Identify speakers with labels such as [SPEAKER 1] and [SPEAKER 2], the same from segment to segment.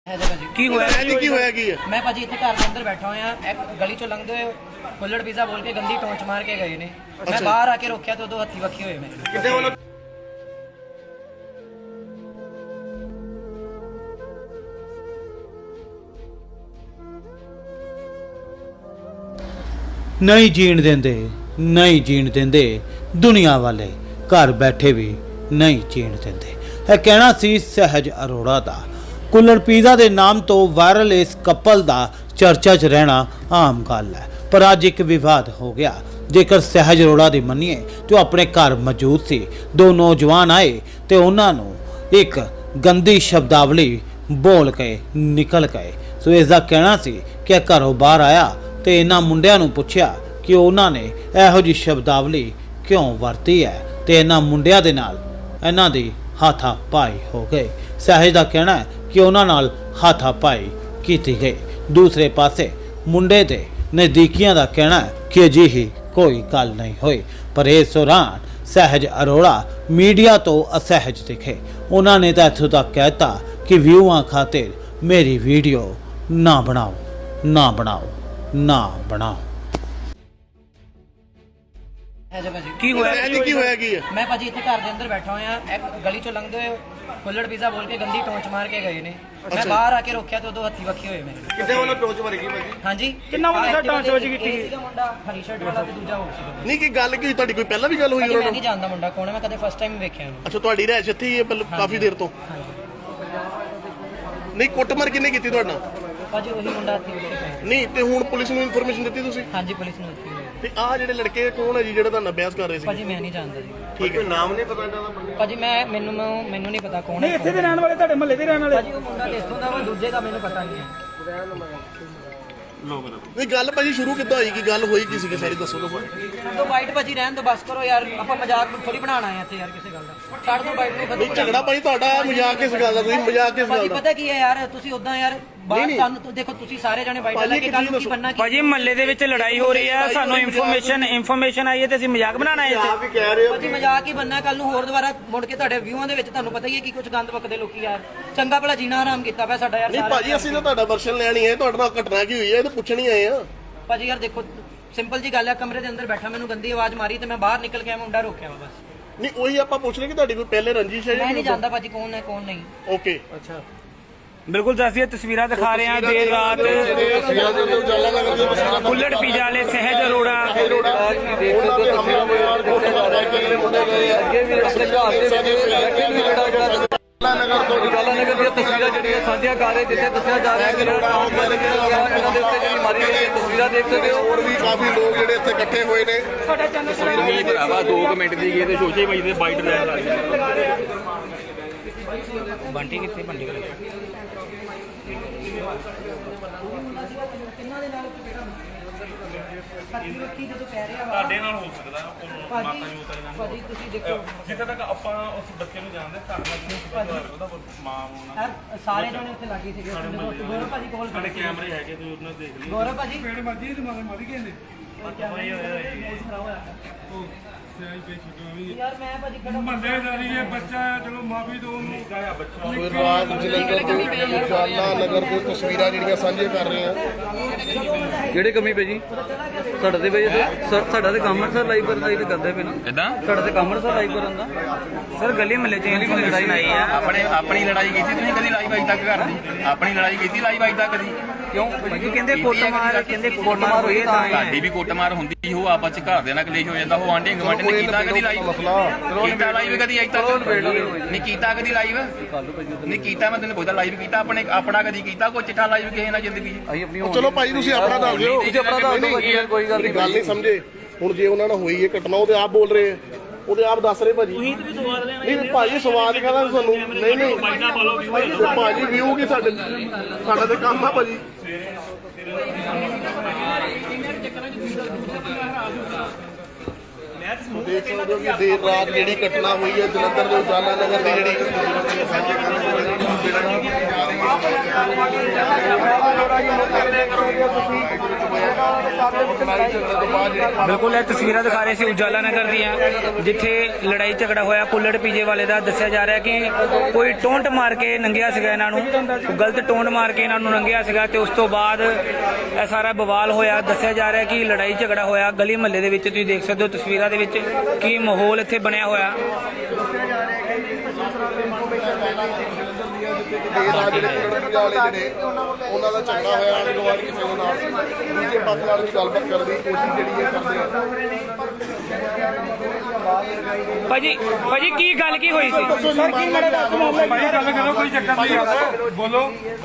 [SPEAKER 1] ਕੀ ਹੋਇਆ ਜੀ? ਕੀ ਹੋਇਆ ਕੀ ਹੈ?
[SPEAKER 2] ਮੈਂ ਭਾਜੀ ਇੱਥੇ ਘਰ ਦੇ ਅੰਦਰ ਬੈਠਾ ਹੋਇਆ, ਇੱਕ ਗਲੀ ਚੋਂ ਲੰਘਦੇ ਹੋਏ ਕੁੱਲੜ ਪੀਜ਼ਾ ਬੋਲ ਕੇ ਗੰਦੀ ਟੋਂਚ ਮਾਰ ਕੇ ਗਏ ਨੇ। ਮੈਂ ਬਾਹਰ ਆ ਕੇ ਰੋਕਿਆ ਤੇ ਉਦੋਂ ਹੱਥੀ ਵੱਖੀ ਹੋਏ ਮੇਰੇ।
[SPEAKER 1] ਕਿੱਥੇ ਵੱਲੋਂ?
[SPEAKER 3] नहीं जीण देंदे, नहीं जीण देंदे दुनिया वाले, घर बैठे भी नहीं जीण देंदे। यह कहना सी सहज अरोड़ा दा। कुल्लड़ पीज़ा के नाम तो वायरल इस कपल का चर्चा च रहना आम गल है, पर अज एक विवाद हो गया। जेकर सहज अरोड़ा की मनीए तो अपने घर मौजूद सी, दो नौजवान आए तो उन्होंने एक गंदी शब्दावली बोल के निकल गए। सो इसका कहना सी कि घरों बाहर आया तो इन्होंने मुंडिया नूं पुछया कि उन्होंने इहो जी शब्दावली क्यों वरती है, तो इन्होंने मुंडिया दे नाल इन्हां दी हाथापाई हो गई। सहज का कहना है कि उन्होंने नाल हाथापाई की गई। दूसरे पासे मुंडे दे नज़दीकियां का कहना है कि अजिही कोई गल नहीं हुई, पर इस दौरान सहज अरोड़ा मीडिया तो असहज दिखे। उन्होंने तो इत्थों तक कहता कि व्यूआं खातिर मेरी वीडियो ना बनाओ, ना बनाओ, ना बनाओ।
[SPEAKER 1] ਕੀ ਹੋਇਆ ਜੀ? ਕੀ ਹੋਇਆ ਕੀ ਹੈ?
[SPEAKER 2] ਮੈਂ ਭਾਜੀ ਇੱਥੇ ਘਰ ਦੇ ਅੰਦਰ ਬੈਠਾ ਹੋਇਆ, ਇੱਕ ਗਲੀ ਚੋਂ ਲੰਘਦੇ ਹੋਏ ਕੁੱਲੜ ਪੀਜ਼ਾ ਬੋਲ ਕੇ ਗੰਦੀ ਟੋਂਚ ਮਾਰ ਕੇ ਗਏ ਨੇ। ਮੈਂ ਬਾਹਰ ਆ ਕੇ ਰੋਕਿਆ ਤੇ ਉਦੋਂ ਹੱਥੀ ਵੱਖੀ ਹੋਏ ਮੇਰੇ।
[SPEAKER 1] ਕਿੱਥੇ ਵੱਲੋਂ ਟੋਚ ਮਾਰੀ ਭਾਜੀ?
[SPEAKER 2] ਹਾਂਜੀ,
[SPEAKER 4] ਕਿੰਨਾ ਵੱਡਾ ਟਾਂਚ ਵੱਜ ਕੀਤੀ?
[SPEAKER 2] ਇੱਕ ਸੀਗਾ ਮੁੰਡਾ ਹਰੀ ਸ਼ਰਟ ਵਾਲਾ ਤੇ ਦੂਜਾ ਹੋਰ ਸੀਗਾ।
[SPEAKER 1] ਨਹੀਂ ਕੀ ਗੱਲ ਕੀ ਤੁਹਾਡੀ ਕੋਈ ਪਹਿਲਾਂ ਵੀ ਗੱਲ ਹੋਈ
[SPEAKER 2] ਭਾਜੀ
[SPEAKER 1] ਉਹਨਾਂ
[SPEAKER 2] ਮੈਂ
[SPEAKER 1] ਨਾਲ?
[SPEAKER 2] ਨਹੀਂ ਜਾਣਦਾ ਮੁੰਡਾ ਕੌਣ ਹੈ, ਮੈਂ ਕਦੇ ਫਸਟ ਟਾਈਮ ਵੇਖਿਆ ਉਹਨੂੰ।
[SPEAKER 1] ਅੱਛਾ, ਤੁਹਾਡੀ ਰਹਿਸ਼ ਇੱਥੇ ਹੀ ਹੈ ਕਾਫੀ ਦੇਰ ਤੋਂ? ਨਹੀਂ, ਕੁੱਟਮਾਰ ਕਿਹਨੇ ਕੀਤੀ ਤੁਹਾਡੇ ਨਾਲ?
[SPEAKER 2] ਭਾਜੀ ਉਹੀ ਮੁੰਡਾ ਹੱਥੀ ਵੱਖੀ ਹੋਇਆ।
[SPEAKER 1] ਨਹੀਂ ਤੇ ਹੁਣ ਪੁਲਿਸ ਨੂੰ ਇਨਫੋਰਮੇਸ਼ਨ ਦਿੱਤੀ ਤੁਸੀਂ?
[SPEAKER 2] ਹਾਂਜੀ, ਪੁਲਿਸ ਨੂੰ ਦਿੱਤੀ ਹੋਈ ਹੈ।
[SPEAKER 1] ਤੇ ਆਹ ਜਿਹੜੇ ਲੜਕੇ ਕੌਣ ਹੈ ਜੀ ਜਿਹੜਾ ਤੁਹਾਨੂੰ ਅਭਿਆਸ ਕਰ ਰਹੇ ਸੀ?
[SPEAKER 2] ਭਾਜੀ ਮੈਂ ਨਹੀਂ ਜਾਣਦਾ ਜੀ।
[SPEAKER 1] ਠੀਕ ਹੈ, ਨਾਮ ਨਹੀਂ ਪਤਾ ਇਹਨਾਂ ਦਾ?
[SPEAKER 2] ਭਾਜੀ ਮੈਨੂੰ ਨਹੀਂ ਪਤਾ ਕੌਣ
[SPEAKER 4] ਨਹੀਂ
[SPEAKER 2] ਹੈ।
[SPEAKER 4] ਇੱਥੇ ਦੇ ਰਹਿਣ ਵਾਲੇ, ਤੁਹਾਡੇ ਮਹੱਲੇ ਦੇ ਰਹਿਣ ਵਾਲੇ?
[SPEAKER 2] ਭਾਜੀ ਉਹ ਮੁੰਡਾ ਕਿੱਥੋਂ ਦਾ ਵਾ, ਦੂਜੇ ਦਾ ਮੈਨੂੰ ਪਤਾ ਨਹੀਂ ਹੈ।
[SPEAKER 1] ਨਹੀਂ ਗੱਲ ਭਾਜੀ ਸ਼ੁਰੂ ਕਿੱਦਾਂ ਹੋਈ? ਕੀ ਗੱਲ ਹੋਈ ਕੀ ਸੀਗੀ ਸਾਰੀ ਦੱਸੋ ਤਾਂ।
[SPEAKER 2] ਛੱਡ ਦੋ ਬਾਈਟ ਭਾਜੀ, ਰਹਿਣ ਦੋ, ਬਸ ਕਰੋ ਯਾਰ। ਆਪਾਂ ਮਜ਼ਾਕ ਥੋੜੀ ਬਣਾਉਣਾ ਹੈ ਇੱਥੇ ਯਾਰ ਕਿਸੇ ਗੱਲ ਦਾ। ਛੱਡ ਦੋ ਬਾਈਟ ਨੂੰ।
[SPEAKER 1] ਨਹੀਂ ਝਗੜਾ ਭਾਜੀ ਤੁਹਾਡਾ ਮਜ਼ਾਕ ਕਿਸ ਗੱਲ ਦਾ? ਤੁਸੀਂ ਮਜ਼ਾਕ ਕਿਸ
[SPEAKER 2] ਭਾਜੀ
[SPEAKER 1] ਗੱਲ ਦਾ?
[SPEAKER 2] ਪਤਾ ਕੀ ਹੈ ਯਾਰ, ਤੁਸੀਂ ਉਦਾਂ ਯਾਰ ਬਾਹਰ ਤੁਹਾਨੂੰ ਦੇਖੋ, ਤੁਸੀਂ ਸਾਰੇ ਜਣੇ ਬਾਈਟ ਲੈ ਕੇ ਕੱਲ ਨੂੰ ਕੀ ਬੰਨਾ ਕੀ?
[SPEAKER 4] ਭਾਜੀ ਮਹੱਲੇ ਦੇ ਵਿੱਚ ਲੜਾਈ ਹੋ ਰਹੀ ਹੈ, ਸਾਨੂੰ ਇਨਫੋਰਮੇਸ਼ਨ ਆਈ ਹੈ ਤੇ ਅਸੀਂ ਮਜ਼ਾਕ ਬਣਾਉਣਾ ਹੈ ਇੱਥੇ।
[SPEAKER 1] ਆਪ ਹੀ ਕਹਿ ਰਹੇ ਹੋ।
[SPEAKER 2] ਭਾਜੀ ਮਜ਼ਾਕ ਹੀ ਬੰਨਾ, ਕੱਲ ਨੂੰ ਹੋਰ ਦੁਬਾਰਾ ਮੁੜ ਕੇ ਤੁਹਾਡੇ ਵਿਊਆਂ ਦੇ ਵਿੱਚ ਤੁਹਾਨੂੰ ਪਤਾ ਹੀ ਹੈ ਕਿ ਕੁਝ ਗੰਦ ਪੱਕਦੇ ਲੋਕੀ ਯਾਰ। ਚੰਗਾ ਭਲਾ ਜੀਣਾ ਆਰਾਮ ਕੀਤਾ ਪਿਆ ਸਾਡਾ ਯਾਰ।
[SPEAKER 1] ਨਹੀਂ ਭਾਜੀ ਅਸੀਂ ਤਾਂ ਤੁਹਾਡਾ ਵਰਸ਼ਨ ਲੈਣੀ ਹੈ, ਤੁਹਾਡੇ ਨਾਲ ਘਟਨਾ ਕੀ ਹੋਈ ਹੈ ਇਹ ਤਾਂ ਪੁੱਛਣੀ ਆਏ ਆ।
[SPEAKER 2] ਭਾਜੀ ਯਾਰ ਦੇਖੋ, ਸਿੰਪਲ ਜੀ ਗੱਲ ਹੈ, ਕਮਰੇ ਦੇ ਅੰਦਰ ਬੈਠਾ, ਮੈਨੂੰ ਗੰਦੀ ਆਵਾਜ਼ ਮਾਰੀ ਤੇ ਮੈਂ ਬਾਹਰ ਨਿਕਲ ਕੇ ਆਇਆ, ਮੁੰਡਾ ਰੋਕਿਆ ਵਾ ਬਸ।
[SPEAKER 1] ਨਹੀਂ ਉਹੀ ਆਪਾਂ ਪੁੱਛ ਰਹੇ ਕਿ ਤੁਹਾਡੀ ਕੋਈ ਪਹਿਲੇ ਰੰਜਿਸ਼ ਹੈ
[SPEAKER 2] ਮੈਂ ਨਹੀਂ ਜਾਣਦਾ ਭਾਜੀ ਕੌਣ ਹੈ ਕੌਣ ਨਹੀਂ।
[SPEAKER 1] ਓਕੇ,
[SPEAKER 2] ਅੱਛਾ,
[SPEAKER 4] ਬਿਲਕੁਲ ਦੱਸਿए ਤਸਵੀਰਾਂ ਦਿਖਾ ਰਹੇ ਹਾਂ। ਦੇਰ ਰਾਤ ਕੁੱਲੜ ਪੀਜ਼ਾ ਵਾਲੇ ਸਹਿਜ ਅਰੋੜਾ
[SPEAKER 5] ਉਜਾਲਾ ਨਗਰ ਦੀਆਂ ਤਸਵੀਰਾਂ ਜਿਹੜੀਆਂ ਸਾਂਝੀਆਂ ਕਰ ਰਹੇ, ਜਿੱਥੇ ਦੱਸਿਆ ਜਾ ਰਿਹਾ ਕਿ ਇਹਨਾਂ ਦੇ ਉੱਤੇ ਜਿਹੜੀ ਮਾਰੀ ਗਈ ਹੈ, ਤਸਵੀਰਾਂ ਦੇਖ ਸਕਦੇ ਹੋ।
[SPEAKER 1] ਹੋਰ ਵੀ ਕਾਫੀ ਲੋਕ ਜਿਹੜੇ ਇੱਥੇ ਇਕੱਠੇ ਹੋਏ ਨੇ।
[SPEAKER 5] ਤਸਵੀਰ ਭਰਾਵਾ 2 ਮਿੰਟ ਦੀ ਗਈ ਤੇ ਸੋਚੇ ਭਾਈ ਦੇ ਬਾਈਟ ਲੈਣ ਲੱਗ ਗਏ।
[SPEAKER 4] ਬੰਟੀ ਕਿੱਥੇ? ਬੰਟੀ
[SPEAKER 6] ਤੁਹਾਡੇ ਨਾਲ ਹੋ ਸਕਦਾ ਮਾਤਾ ਜੀ ਉਤਾਈ ਨਾਲ।
[SPEAKER 2] ਭਾਜੀ ਤੁਸੀਂ ਦੇਖੋ
[SPEAKER 6] ਜਿੱਥੇ ਤੱਕ ਆਪਾਂ ਉਸ ਬੱਚੇ ਨੂੰ ਜਾਣਦੇ ਤੁਹਾਡੇ ਨਾਲ ਉਹਦਾ ਮਾਂ ਹੋਣਾ।
[SPEAKER 2] ਯਾਰ ਸਾਰੇ ਜਣੇ ਉੱਥੇ ਲੱਗੇ ਸੀਗੇ। ਗੌਰਵ ਭਾਜੀ ਕੋਲ
[SPEAKER 6] ਸਾਡੇ ਕੈਮਰੇ ਹੈਗੇ, ਤੁਸੀਂ ਉਹਨਾਂ ਨੂੰ ਦੇਖ ਲਿਓ।
[SPEAKER 2] ਗੌਰਵ ਭਾਜੀ
[SPEAKER 4] ਮਰਜੀ ਤੇ ਮਾਰ ਗਏ ਨੇ
[SPEAKER 2] ਯਾਰ। ਮੈਂ ਭਾਜੀ ਖੜਾ
[SPEAKER 4] ਮਹੱਲੇਦਾਰੀ ਹੈ, ਬੱਚਾ ਹੈ, ਚਲੋ ਮਾਫੀ ਦਿਓ ਉਹਨੂੰ।
[SPEAKER 1] ਕੋਈ ਰਾਤ ਜਲੰਧਰ ਤੋਂ ਉਜਾਲਾ ਨਗਰ ਦੀਆਂ ਤਸਵੀਰਾਂ ਜਿਹੜੀਆਂ ਸਾਂਝੇ ਕਰ ਰਹੇ ਆ।
[SPEAKER 5] ਕਿਹੜੇ ਕਮੀ ਪਈ ਜੀ? ਸਾਡਾ ਤੇ ਬਈ ਸਾਡਾ ਤੇ ਕੰਮ ਸਰ ਲਾਈਵ ਕਰਨ ਦਾ ਹੀ ਤੇ ਕਰਦੇ ਪਏ ਨਾ।
[SPEAKER 6] ਕਿੱਦਾਂ?
[SPEAKER 5] ਸਾਡਾ ਤੇ ਕੰਮ ਸਰ ਲਾਈਵ ਕਰਨ ਦਾ।
[SPEAKER 4] ਸਰ ਗਲੀ ਮਹੱਲੇ ਚ
[SPEAKER 5] ਲੜਾਈ ਨਹੀਂ ਆ।
[SPEAKER 6] ਆਪਣੀ ਲੜਾਈ ਕੀਤੀ ਤੁਸੀਂ ਕਦੀ ਲਾਈਵ ਅਜੇ ਤੱਕ ਕਰਦੀ? ਆਪਣੀ ਲੜਾਈ ਕੀਤੀ ਲਾਈਵ ਅਜੇ ਤੱਕ ਕਦੀ?
[SPEAKER 5] ਕਿਉਂ?
[SPEAKER 4] ਕਹਿੰਦੇ ਕੁੱਟਮਾਰ
[SPEAKER 5] ਹੋਈ ਤਾਂ ਹੈ।
[SPEAKER 6] ਸਾਡੀ ਵੀ ਕੁੱਟਮਾਰ ਹੁੰਦੀ ਹੋ, ਆਪਸ ਚ ਘਰ ਦੇ ਨਾਲ ਕਲੇਸ਼ ਹੋ ਜਾਂਦਾ। ਉਹ ਆਂਢੀ ਗੁਆਂਢੀ ਨੇ ਕੀਤਾ ਕਦੀ ਲਾਈਵ? ਕੀਤਾ ਲਾਈਵ ਕਦੀ ਅਜੇ ਤੱਕ? ਨਹੀਂ ਕੀਤਾ ਕਦੀ ਲਾਈਵ? ਨਹੀਂ ਕੀਤਾ। ਮੈਂ ਤੈਨੂੰ ਪੁੱਛਦਾ ਲਾਈਵ ਕੀਤਾ ਆਪਣਾ ਕਦੀ ਕੀਤਾ ਕੋਈ ਚਿੱਠਾ ਲਾਈਵ ਕਿਸੇ ਨਾਲ ਜ਼ਿੰਦਗੀ?
[SPEAKER 5] ਅਸੀਂ ਆਪਣੀ
[SPEAKER 1] ਚਲੋ ਭਾਈ ਤੁਸੀਂ ਆਪਣਾ ਦੱਸ ਦਿਓ।
[SPEAKER 5] ਤੁਸੀਂ ਆਪਣਾ ਦੱਸ ਦਿਓ, ਕੋਈ ਗੱਲ ਨਹੀਂ।
[SPEAKER 1] ਗੱਲ ਨਹੀਂ ਸਮਝੇ ਹੁਣ। ਜੇ ਉਹਨਾਂ ਨਾਲ ਹੋਈ ਹੈ ਘਟਨਾ, ਉਹਦੇ ਆਪ ਬੋਲ ਰਹੇ ਆ, ਉਹਦੇ ਆਪ ਦੱਸ ਰਹੇ ਭਾਜੀ। ਨਹੀਂ ਭਾਜੀ ਸਵਾਲ ਕਹਦਾ ਤੁਹਾਨੂੰ। ਨਹੀਂ ਭਾਜੀ ਵਿਊ ਕੀ ਸਾਡਾ ਤੇ ਕੰਮ ਆ ਭਾਜੀ। ਦੇਖ ਸਕਦੇ ਹੋ ਕਿ ਦੇਰ ਰਾਤ ਜਿਹੜੀ ਘਟਨਾ ਹੋਈ ਹੈ ਜਲੰਧਰ ਦੇ ਉਜਾਲਾ ਨਗਰ ਦੀ ਜਿਹੜੀ ਲੜਾਈ ਝਗੜੇ ਤੋਂ ਬਾਅਦ ਜਿਹੜੀ
[SPEAKER 4] ਬਿਲਕੁਲ ਇਹ ਤਸਵੀਰਾਂ ਦਿਖਾ ਰਹੇ ਸੀ ਉਜਾਲਾ ਨਗਰ ਦੀਆਂ, ਜਿੱਥੇ ਲੜਾਈ ਝਗੜਾ ਹੋਇਆ ਕੁੱਲੜ ਪੀਜੇ ਵਾਲੇ ਦਾ। ਦੱਸਿਆ ਜਾ ਰਿਹਾ ਕਿ ਕੋਈ ਟੋਂਟ ਮਾਰ ਕੇ ਨੰਗਿਆ ਸੀਗਾ ਇਹਨਾਂ ਨੂੰ, ਗਲਤ ਟੋਂਟ ਮਾਰ ਕੇ ਇਹਨਾਂ ਨੂੰ ਨੰਗਿਆ ਸੀਗਾ ਤੇ ਉਸ ਤੋਂ ਬਾਅਦ ਇਹ ਸਾਰਾ ਬਵਾਲ ਹੋਇਆ। ਦੱਸਿਆ ਜਾ ਰਿਹਾ ਕਿ ਲੜਾਈ ਝਗੜਾ ਹੋਇਆ ਗਲੀ ਮੁਹੱਲੇ ਦੇ ਵਿੱਚ, ਤੁਸੀਂ ਦੇਖ ਸਕਦੇ ਹੋ ਤਸਵੀਰਾਂ ਦੇ ਵਿੱਚ ਕੀ ਮਾਹੌਲ ਇੱਥੇ ਬਣਿਆ ਹੋਇਆ।
[SPEAKER 1] ਦੇਰ ਰਾਤ ਜਿਹੜੇ ਕੁੱਲੜ ਪੀਜਾ ਵਾਲੇ ਜਿਹੜੇ ਉਹਨਾਂ ਦਾ ਝਗੜਾ ਹੋਇਆ ਆਂਢ ਗੁਆਂਢ ਕਿਸੇ ਦੇ ਨਾਲ, ਦੂਜੇ ਪੱਖ ਨਾਲ ਵੀ ਗੱਲਬਾਤ ਕਰਨ ਦੀ ਕੋਸ਼ਿਸ਼ ਜਿਹੜੀ ਹੈ ਕਰਦੇ ਆ।
[SPEAKER 4] ਭਾਜੀ ਕੀ ਗੱਲ ਕੀ ਹੋਈ ਸੀ?
[SPEAKER 1] ਸਰ ਕੀ
[SPEAKER 5] ਗੱਲ ਕਰੋ, ਕੋਈ ਚੱਕਰ ਨਹੀਂ ਆ, ਬੋਲੋ।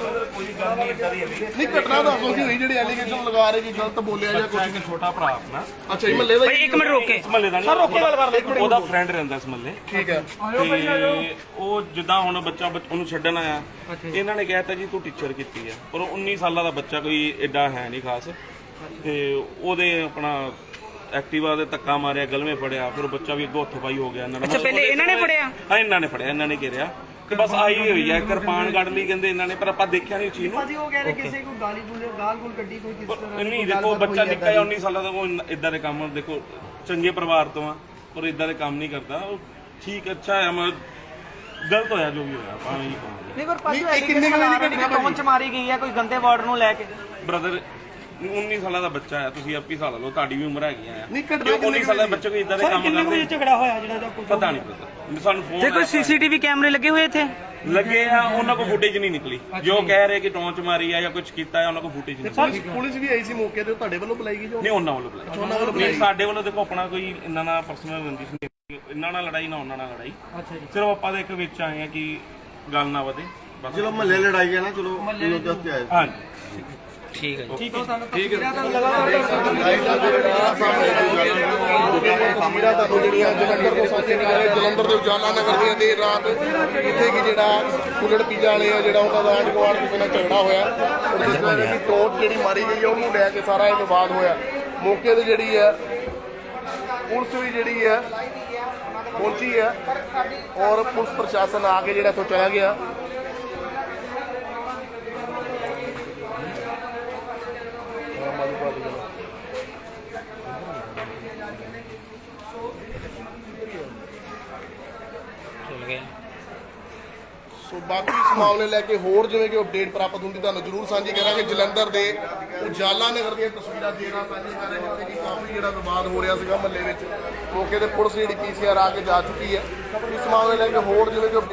[SPEAKER 1] ਨਹੀਂ ਘਟਨਾ ਦੱਸੋ ਕੀ ਹੋਈ ਜਿਹੜੀ ਐਲੀਗੇਸ਼ਨ ਲਗਾ ਰਹੇ ਕਿ ਗਲਤ ਬੋਲਿਆ ਜਾਂ ਕੁਝ।
[SPEAKER 7] ਛੋਟਾ ਭਰਾ ਆਪਣਾ
[SPEAKER 1] ਅੱਛਾ ਜੀ ਮਹੱਲੇ ਦਾ
[SPEAKER 4] ਭਾਈ ਇੱਕ ਮਿੰਟ ਰੋਕ ਕੇ
[SPEAKER 7] ਮਹੱਲੇ ਦਾ ਨਹੀਂ, ਰੋਕੇ ਗੱਲ ਕਰ ਲੈ। ਉਹਦਾ ਫਰੈਂਡ ਰਹਿੰਦਾ ਇਸ ਮਹੱਲੇ
[SPEAKER 1] ਠੀਕ ਹੈ।
[SPEAKER 7] ਤੇ ਉਹ ਜਿੱਦਾਂ ਹੁਣ ਬੱਚਾ ਉਹਨੂੰ ਛੱਡਣ ਆਇਆ, ਇਹਨਾਂ ਨੇ ਕਹਿਤਾ ਜੀ ਤੂੰ ਟੀਚਰ ਕੀਤੀ ਹੈ, ਪਰ ਉਹ 19 ਸਾਲਾਂ ਦਾ ਬੱਚਾ ਕੋਈ ਐਡਾ ਹੈ ਨਹੀਂ ਖਾਸ। ਤੇ ਉਹਦੇ ਆਪਣਾ ਐਕਟਿਵਾ ਦੇ ਧੱਕਾ ਮਾਰਿਆ, ਗਲਵੇਂ ਫੜਿਆ, ਫਿਰ ਉਹ ਬੱਚਾ ਵੀ ਅੱਗੋਂ ਹੱਥੋਂ ਪਾਈ ਹੋ ਗਿਆ। ਇਹਨਾਂ ਨੇ
[SPEAKER 4] ਅੱਛਾ ਪਹਿਲੇ ਇਹਨਾਂ ਨੇ ਫੜਿਆ?
[SPEAKER 7] ਹਾਂ ਇਹਨਾਂ ਨੇ ਫੜਿਆ, ਇਹਨਾਂ ਨੇ ਘੇਰਿਆ ਤੇ ਬਸ ਆਈ ਹੋਈ ਹੈ, ਕਿਰਪਾਨ ਕੱਢ ਲਈ ਕਹਿੰਦੇ ਇਹਨਾਂ ਨੇ, ਪਰ ਆਪਾਂ ਦੇਖਿਆ ਨਹੀਂ ਚੀਜ਼ ਨੂੰ।
[SPEAKER 2] ਉਹ ਕਹਿ ਰਹੇ ਕਿਸੇ ਕੋ ਗਾਲੀ ਗਾਲ ਗੁਲ ਕੱਢੀ ਕੋਈ ਕਿਸ ਤਰ੍ਹਾਂ
[SPEAKER 7] ਨਹੀਂ ਦੇਖੋ ਬੱਚਾ ਨਿੱਕਾ ਜਿਹਾ 19 ਸਾਲਾਂ ਦਾ, ਉਹ ਇਦਾਂ ਦੇ ਕੰਮ ਦੇਖੋ ਚੰਗੇ ਪਰਿਵਾਰ ਤੋਂ ਆ, ਪਰ ਇਦਾਂ ਦੇ ਕੰਮ ਨਹੀਂ ਕਰਦਾ। ਉਹ ਠੀਕ ਅੱਛਾ ਹੈ, ਮੈਂ ਗਲਤ ਹੋਇਆ ਜੋ ਵੀ ਹੋਇਆ, ਆਪਾਂ ਇਹੀ ਕਹਾਂਗੇ।
[SPEAKER 2] ਨਹੀਂ ਪਰ ਪਾਜੀ ਕਿੰਨੇ ਵਜੇ ਪਹੁੰਚ ਮਾਰੀ ਗਈ ਹੈ ਕੋਈ ਗੰਦੇ ਵਰਡ ਨੂੰ ਲੈ ਕੇ।
[SPEAKER 7] ਬ੍ਰਦਰ 19 ਸਾਲਾਂ ਦਾ ਬੱਚਾ ਹੈ, ਤੁਸੀਂ ਆਪੀ ਹਿਸਾਬ ਲਾ ਲਓ, ਤੁਹਾਡੀ ਵੀ ਉਮਰ ਹੈਗੀ ਆ।
[SPEAKER 1] ਨਹੀਂ ਘਟਨਾ
[SPEAKER 7] 19 ਸਾਲਾਂ ਦੇ ਬੱਚੇ ਕੋਈ ਇਦਾਂ ਦੇ ਕੰਮ ਕਰਦੇ,
[SPEAKER 4] ਝਗੜਾ ਹੋਇਆ ਜਿਹੜਾ
[SPEAKER 7] ਪਤਾ ਨਹੀਂ ਪਤਾ। ਸਾਨੂੰ ਫੋਨ
[SPEAKER 4] ਤੇ ਕੋਈ ਸੀਸੀਟੀਵੀ ਕੈਮਰੇ ਲੱਗੇ ਹੋਏ ਇੱਥੇ?
[SPEAKER 7] ਲੱਗੇ ਆ, ਉਹਨਾਂ ਕੋਲ ਫੁਟੇਜ ਨਹੀਂ ਨਿਕਲੀ। ਜੋ ਕਹਿ ਰਹੇ ਕਿ ਟੌਂਚ ਮਾਰੀ ਆ ਜਾਂ ਕੁਝ ਕੀਤਾ ਹੈ, ਉਹਨਾਂ ਕੋਲ ਫੁਟੇਜ ਨਹੀਂ ਨਿਕਲੀ।
[SPEAKER 1] ਪੁਲਿਸ ਵੀ ਆਈ ਸੀ ਮੌਕੇ ਤੇ, ਤੁਹਾਡੇ ਵੱਲੋਂ ਬੁਲਾਈ ਗਈ ਜੋ?
[SPEAKER 7] ਨਹੀਂ ਉਹਨਾਂ ਵੱਲੋਂ ਬੁਲਾਇਆ ਨਹੀਂ, ਸਾਡੇ ਵੱਲੋਂ ਦੇਖੋ ਆਪਣਾ ਕੋਈ ਇਹਨਾਂ ਨਾਲ ਪਰਸਨਲ ਰੰਜਿਸ਼ ਨਹੀਂ, ਇਹਨਾਂ ਨਾਲ ਲੜਾਈ ਨਾ ਉਹਨਾਂ ਨਾਲ ਲੜਾਈ।
[SPEAKER 2] ਅੱਛਾ ਜੀ।
[SPEAKER 7] ਸਿਰਫ ਆਪਾਂ ਦੇ ਇੱਕ ਵਿੱਚ ਆਏ ਆ ਕਿ ਗੱਲ ਨਾ ਵਧੇ ਬਸ।
[SPEAKER 1] ਚਲੋ ਮਹੱਲੇ ਲੜਾਈ ਹੈ ਨਾ, ਚਲੋ ਜਸਟ ਆਏ।
[SPEAKER 7] ਹਾਂਜੀ
[SPEAKER 4] ਠੀਕ ਹੈ ਜੀ।
[SPEAKER 1] ਤਸਵੀਰਾਂ ਤੁਹਾਨੂੰ ਜਿਹੜੀਆਂ ਜਲੰਧਰ ਤੋਂ ਸਾਹਮਣੇ ਆ ਰਹੇ, ਜਲੰਧਰ ਦੇ ਉਜਾਲਾ ਨਗਰ ਦੀਆਂ ਦੇਰ ਰਾਤ ਜਿੱਥੇ ਕਿ ਜਿਹੜਾ ਕੁੱਲੜ ਪੀਜਾ ਵਾਲੇ ਆ ਜਿਹੜਾ ਉਹਨਾਂ ਦਾ ਆਂਢ ਗੁਆਂਢ ਕਿਸੇ ਨਾਲ ਝਗੜਾ ਹੋਇਆ, ਉਹਦੇ ਨਾਲ ਜਿਹੜੀ ਟੋਟ ਜਿਹੜੀ ਮਾਰੀ ਗਈ ਹੈ ਉਹਨੂੰ ਲੈ ਕੇ ਸਾਰਾ ਇਹ ਵਿਵਾਦ ਹੋਇਆ। ਮੌਕੇ ਤੇ ਜਿਹੜੀ ਹੈ ਪੁਲਿਸ ਵੀ ਜਿਹੜੀ ਹੈ ਪਹੁੰਚੀ ਹੈ ਔਰ ਪੁਲਿਸ ਪ੍ਰਸ਼ਾਸਨ ਆ ਕੇ ਜਿਹੜਾ ਇੱਥੋਂ ਚਲਾ ਗਿਆ। ਸੋ ਬਾਕੀ ਇਸ ਮਾਮਲੇ ਲੈ ਕੇ ਹੋਰ ਜਿਵੇਂ ਕਿ ਅਪਡੇਟ ਪ੍ਰਾਪਤ ਹੁੰਦੀ ਤੁਹਾਨੂੰ ਜ਼ਰੂਰ ਸਾਂਝੀ ਕਰਾਂਗੇ। ਜਲੰਧਰ ਦੇ ਉਜਾਲਾ ਨਗਰ ਦੀਆਂ ਤਸਵੀਰਾਂ ਦੇ ਨਾਲ ਸਾਂਝੀ ਕਰ ਰਹੇ ਹਾਂ, ਜਿੱਥੇ ਕਿ ਕਾਫੀ ਜਿਹੜਾ ਵਿਵਾਦ ਹੋ ਰਿਹਾ ਸੀਗਾ ਮਹੱਲੇ ਵਿੱਚ। ਮੌਕੇ ਤੇ ਪੁਲਿਸ ਜਿਹੜੀ PCR ਆ ਕੇ ਜਾ ਚੁੱਕੀ ਹੈ। ਇਸ ਮਾਮਲੇ ਲੈ ਕੇ ਹੋਰ ਜਿਵੇਂ ਕਿ